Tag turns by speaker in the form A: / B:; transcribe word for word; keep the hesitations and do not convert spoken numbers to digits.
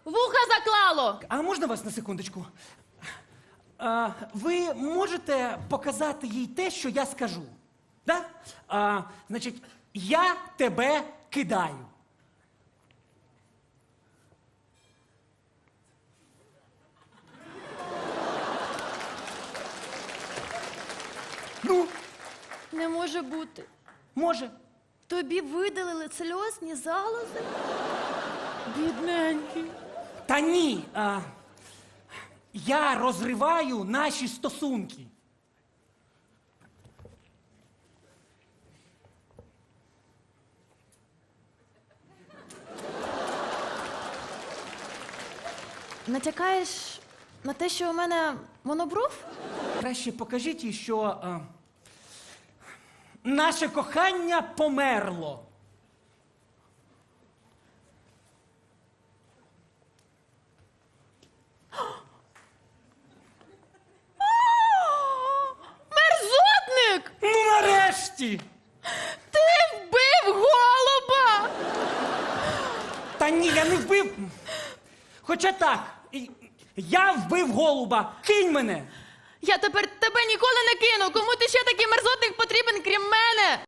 A: Вуха заклало!
B: А можна вас на секундочку? А, ви можете показати їй те, що я скажу? Да? А, значить, я тебе кидаю. Ну,
A: Не може бути.
B: може.
A: Тобі видалили сльозні залози? Бідненький.
B: Та ні. А, я розриваю наші стосунки.
A: Натякаєш на те, що у мене монобров?
B: Краще покажіть їй, що а, наше кохання померло.
A: Мерзотник!
B: Ну, нарешті!
A: Ти вбив голуба!
B: Та ні, я не вбив. Хоча так, і- я вбив голуба. Кинь мене.
A: Я тепер тебе ніколи не кину! Кому ти ще такий мерзотник потрібен, крім мене?